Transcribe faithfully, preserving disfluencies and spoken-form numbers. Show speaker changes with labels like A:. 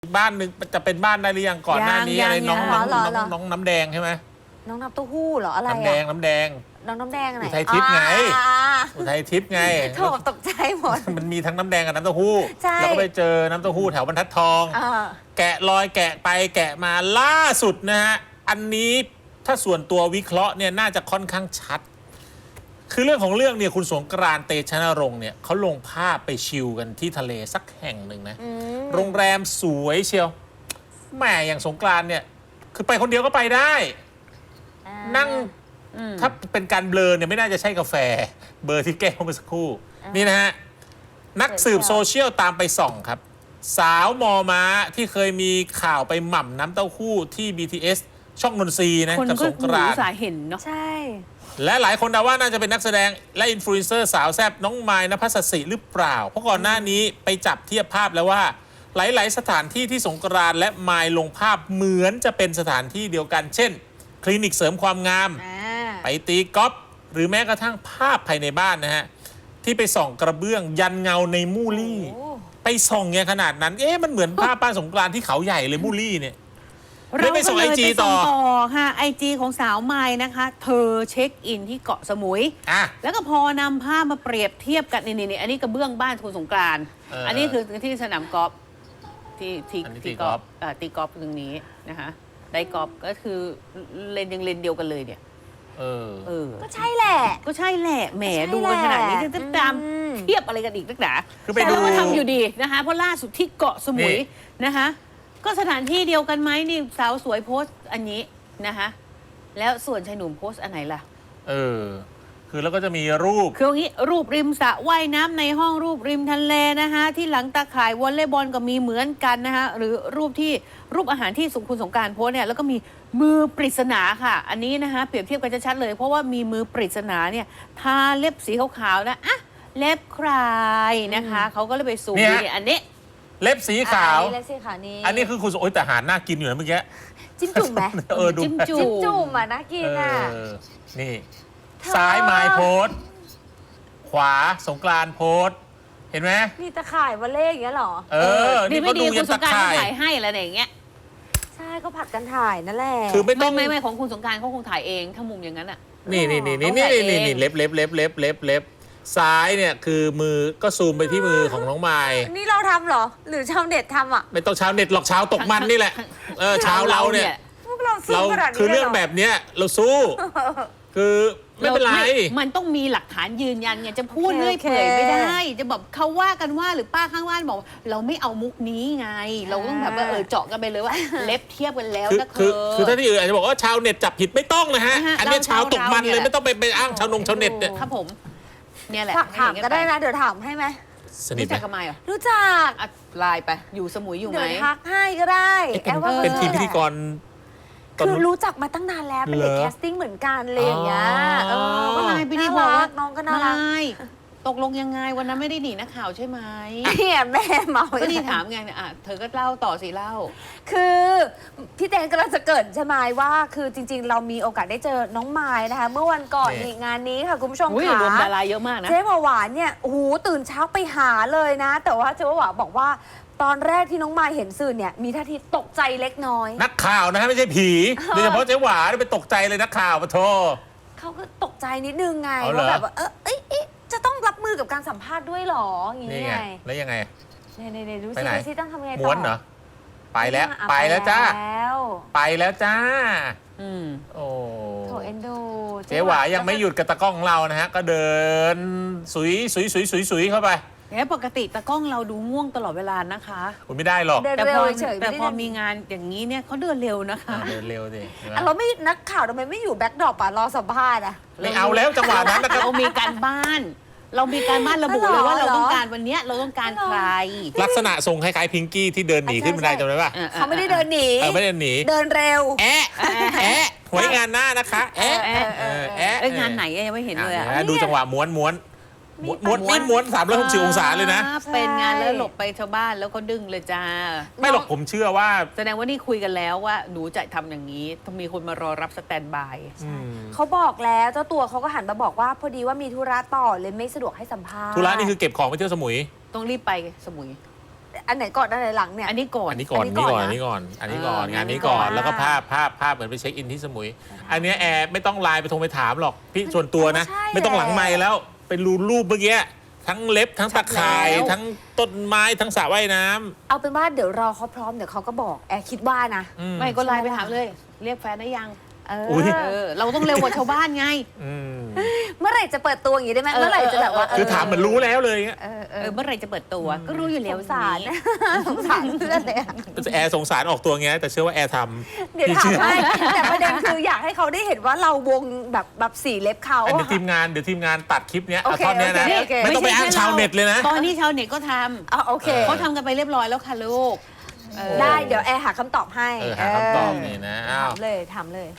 A: บ้านหนึ่งจะเป็นบ้านได้หรือยังก่อนหน้านี้อะไรน้องน้องน้องน้องน้ำแดงใช่ไหม
B: น้องน้ำเต้าหู้เหรออะไร
A: น้ำแดงน้ำแดง
B: น้องน้ำแดงอะไร
A: อุทัยทิพย์ไงอุทัยทิพย์ไง
B: โถตกใจหมด
A: มันมีทั้งน้ำแดงกับน้ำเต้าหู้แล้วก็ไปเจอน้ำเต้าหู้แถวบรรทัดทองแกะรอยแกะไปแกะมาล่าสุดนะฮะอันนี้ถ้าส่วนตัววิเคราะห์เนี่ยน่าจะค่อนข้างชัดคือเรื่องของเรื่องเนี่ยคุณสงกรานต์เตชะนรงค์เนี่ยเขาลงภาพไปชิลกันที่ทะเลสักแห่งหนึ่งนะโรงแรมสวยเชียวแหมอย่างสงกรานต์เนี่ยคือไปคนเดียวก็ไปได้นั่งถ้าเป็นการเบลอเนี่ยไม่น่าจะใช่กาแฟเบอร์ที่แก้วเมื่อสักครู่นี่นะฮะนักสืบโซเชียลตามไปส่องครับสาวมอม้าที่เคยมีข่าวไปหม่ำน้ำเต้าหู้ที่ บี ที เอส ช่องนนทรีนะกับสงกรานต์
C: สายเห็นเนาะ
B: ใช่
A: และหลายคนเดาว่าน่าจะเป็นนักแสดงและอินฟลูเอนเซอร์สาวแซ่บน้องมายณภัสสิหรือเปล่าเพราะก่อนหน้านี้ไปจับเทียบภาพแล้วว่าหลายๆสถานที่ที่สงกรานต์และมายลงภาพเหมือนจะเป็นสถานที่เดียวกันเช่นคลินิกเสริมความงามไปตีกอล์ฟหรือแม้กระทั่งภาพภายในบ้านนะฮะที่ไปส่องกระเบื้องยันเงาในมูลี่ไปส่องเนี่ยขนาดนั้นเอ๊ะมันเหมือนภาพบ้านสงกรานต์ที่เขาใหญ่เลยมูลี่เนี่ยเราไปส่งไอจีต่อ
C: ค่ะไอจีของสาวไม้นะคะเธอเช็คอินที่เกาะสมุยแล้วก็พอนำภาพมาเปรียบเทียบกันนี่นี่อันนี้กระเบื้องบ้านคุณสงกรานต์อันนี้คือที่สนามกอล์ฟที่ที่ที่กอล์ฟตีกอล์ฟตรงนี้นะคะได้กอล์ฟก็คือเลนยังเลนเดียวกันเลยเนี่ย
A: เออเอ
B: อก็ใช่แหละ
C: ก็ใช่แหละแหมดูกันขนาดนี้จะตามเทียบอะไรกันอีกนักหนา
A: คือไป
C: ดูทำอยู่ดีนะคะเพราะล่าสุดที่เกาะสมุยนะคะก็สถานที่เดียวกันไหมนี่สาวสวยโพสต์อันนี้นะคะแล้วส่วนชายหนุ่มโพสต์อันไหนล่ะ
A: เออคือแล้วก็จะมีรูป
C: คืออย่างนี้รูปริมสระว่ายน้ำในห้องรูปริมทะเลนะคะที่หลังตาข่ายวอลเลย์บอลก็มีเหมือนกันนะคะหรือรูปที่รูปอาหารที่สุคุณสงกรานต์โพสต์เนี่ยแล้วก็มีมือปริศนาค่ะอันนี้นะคะเปรียบเทียบกันชัดๆเลยเพราะว่ามีมือปริศนาเนี่ยทาเล็บสีขาวๆนะอ่ะเล็บใครนะคะเขาก็เลยไปซูมดูเนี่ยอันนี้
A: เล็บสีขาว
B: เล็บสีขาวนี้
A: อันนี้คือคุณโอ้ยแต่อาหารน่ากินอยู่นะเมื่อกี้
B: จิ้มจุ่มไหม
A: เออดู
C: จิ้มจุ่ม
B: จิ้มจุ่มอ่ะน่ากินอ่ะ
A: นี่ซ้ายมายโพสขวาสงกรานต์โพสเห็นไหม
B: นี่ตะข่ายวอลเล่อย่างเงี้ยหรอ
A: เออนี่
C: ไม่ดีคุณสงกรานต์ถ่ายให้อะไรอย่างเงี้ย
B: ใช่ก็ผัดกันถ่ายนั่นแหละ
A: คือไม่ต้อง
C: ไม่ไม่ของคุณสงกรานต์เขาคงถ่ายเองถ้ามุมอย่างนั้นอ่ะ
A: นี่นี่นี่นี่นี่นี่นี่เล็บเล็บเล็บเล็บเล็บเล็บซ้ายเนี่ยคือมือก็ซูมไปที่มือของน้องไม้
B: นี่เราทำเหรอหรือชาวเน็ตทำอ่ะ
A: ไม่ต้องชาวเน็ตหรอกชาวตกมันนี่แหละเออชาวเราเนี่ย
B: พวกเราสู้ขนาดนี้
A: คือเรื่องแบบเนี้ยเราสู้คือไม่เป็นไร
C: มันต้องมีหลักฐานยืนยันเนี่ยจะพูดเรื่อยเปื่อยไม่ได้จะแบบเขาว่ากันว่าหรือป้าข้างบ้านบอกเราไม่เอามุกนี้ไงเราต้องแบบว่าเออเจาะกันไปเลยว่าเล็บเทียบกันแล้วนะ
A: คือคือถ้าที่อื่นอาจจะบอกว่าชาวเน็ตจับผิดไม่ต้องนะฮะอันนี้ชาวตกมันเลยไม่ต้องไปไปอ้างชาวนงชาวเน็ตเนี่ย
C: ครับผมเนี่ยแหละ
B: ถามก็ได้นะเดี๋ยวถามให้ไหม
A: รู้
C: จักกันไหมอ่ะ
B: รู้จัก
C: ไลน์ไปอยู่สมุยอยู่ไหม
B: เดี๋ยวทักให้ก็ได้
A: เป็นทีมพิธีกร
B: คือรู้จักมาตั้งนานแล้วเป็นเด็กแคสติ้งเหมือนกันเลยอย่างเงี้ยเออ
C: ก็ไลน์ไปดีบอกว่า
B: น้องก็น่ารัก
C: ตกลงยังไงวันนั้นไม่ได้หนีนักข่าวใช่ไหม
B: เนี่ยแม่เมา
C: ก็ดีถามไงเนี่ยอ่ะเธอก็เล่าต่อสิเล่า
B: คือพี่เต้นกำลังจะเกิดใช่ไหมว่าคือจริงๆเรามีโอกาสได้เจอน้องไม้นะคะเมื่อวันก่อนงานนี้ค่ะคุณผู้ชมค่ะ
C: รวมดาราเยอะมากนะ
B: เจ๊หวานเนี่ยโอ้โหตื่นเช้าไปหาเลยนะแต่ว่าเจ๊หวานบอกว่าตอนแรกที่น้องไม้เห็นสื่อเนี่ยมีท่าทีตกใจเล็กน้อย
A: นักข่าวนะฮะไม่ใช่ผีโดยเฉพาะเจ๊หวานไปตกใจเลยนักข่าวปะโท
B: เขาก็ตกใจนิดนึงไงว่าแบบว่าเออเอ๊ะจะต้องรับมือกับการสัมภาษณ์ด้วยหรออย่างนี้ไง
A: แล้วยังไง
B: เนี่ยๆดูสิดูสิต้องทำไงต่อ
A: ม้วนเหรอไปแล้วไปแล้วจ้าไปแล้วจ้า
C: อืม
A: โอ้
B: โถเอ็นดู
A: เจ๊หวายังไม่หยุดกับตะกล้องเรานะฮะก็เดินสุยสุยสุยสุยสุยเข้าไป
C: เนี่ยปกติตะกล้องเราดูง่วงตลอดเวลานะคะ
A: คุณไม่ได้หรอก
C: แต่พอแต่พอมีงานอย่างนี้เนี่ยเขาเดินเร็วนะคะ
A: เดินเร็วสิ
B: เราไม่นักข่าวทำไมไม่อยู่แบ็คดรอปอ่ะรอสัมภาษณ์อ่ะ
A: ไม่เอาแล้วจังหวะนั้นนะครับ
C: เรามีการบ้านเรามีการบ้านระบุเลยว่าเราต้องการวันนี้เราต้องการใคร
A: ลักษณะทรงคล้ายๆพิงกี้ที่เดินหนีขึ้นบันไดจำได้ป่ะ
B: เขาไม่ได้เดินหนี
A: ไม่ได้เดินหนี
B: เดินเร็ว
A: แอะแอะหวยงานหน้านะคะแอะ
C: แอะงานไหนยังไม่เห็นเลยอ่ะ
A: ดูจังหวะม้วนม้วนม้วนนี่ม้วนสามร้อยหกสิบองศาเลยนะ
C: เป็นงานแล้วหลบไปชาวบ้านแล้วก็ดึงเลยจ้า
A: ไม่หรอกผมเชื่อว่า
C: แสดงว่านี่คุยกันแล้วว่าหนูจะทำอย่างนี้ต้องมีคนมารอรับสแตนบาย
B: เขาบอกแล้วเจ้าตัวเขาก็หันมาบอกว่าพอดีว่ามีธุระต่อเลยไม่สะดวกให้สัมภาษณ์
A: ธุระนี่คือเก็บของไปเที่ยวสมุย
C: ต้องรีบไปสมุย
B: อันไหนก่อนอันไหนหลังเนี่ย
C: อันนี้ก่อน
A: อันนี้ก่อน
B: อั
A: อั
B: น
A: น
B: นี้
A: นี้
B: ก่
A: ก่
B: อ
A: อน น
B: นะ
A: อันนี้ก่อน อันนี้ก่อน
C: เออ
A: งานนี้ก่อน
B: อ่า
A: แล้วก็ภาพภาพภาพเหมือนไปเช็คอินที่สมุย อันเนี้ยแอร์ไม่ต้องไลน์ไปโทรไปถามหรอกพี่ส่วนตัวนะ
B: ใช่
A: ไม่ต้องหลังไมค์แล้วไปรูรูปเมื่อกี้ทั้งเล็บทั้งตะข่าย
C: แล้ว
A: ทั้งต้นไม้ทั้งสระว่ายน้ำ
B: เอาเป็นว่าเดี๋ยวรอเขาพร้อมเดี๋ยวเขาก็บอกแอร์คิดว่านะ
A: อืม
C: ไม่ก็ไลน์ไปถามเลย เรียกแฟนได้ยัง
B: เออ
A: อุ๊ย
C: เออ เราต้องเร็วกว่าชาวบ้านไง
A: อืม
B: เมื่อไหร่จะเปิดตัวอย่างนี้ได้ไหม
C: เออ
B: เมื่อไหร่จะแบบว่า
A: คือถามเหมือนรู้แล้วเลยเงี้ย
B: เออเอ
C: เอ
B: อ
C: อ เมื่อไหรจะเปิดตัว ก็รู้อยู่แล้ว
B: สงสาร
C: นี้
B: สงสารเพื่อนเลยอะ
A: แอร์สงสารออกตัวไงแต่เชื่อว่าแอร์ทำ
B: เดี๋ยว
A: พี่
B: ถาม
A: เชื่อ
B: ให้แต่ประเด็นคืออยากให้เขาได้เห็นว่าเราวงแบบแบบสีเล็บเขา
A: อันเดี๋ยว
B: อะ
A: ทีมงานเดี๋ยวทีมงานตัดคลิปเนี้ย
B: โอ
A: เอา
B: เค
A: ท่อนเนี้ยนะ
B: โอเค
A: ไม่ต้องไป
C: ไม่ใช่
A: อ้าง
C: แค่
A: ชาว
C: เรา
A: เน็ตเลยนะ
C: ตอนนี้ชาวเน็ตก็ท
B: อ่ะโอเค
C: ำเขาทำกันไปเรียบร้อยแล้วค่ะลูกเออ
B: ได้เดี๋ยวแอร์หาคำตอบให้
A: เออหาคำตอบนี่นะอ้าว
B: ถามเลยถามเลย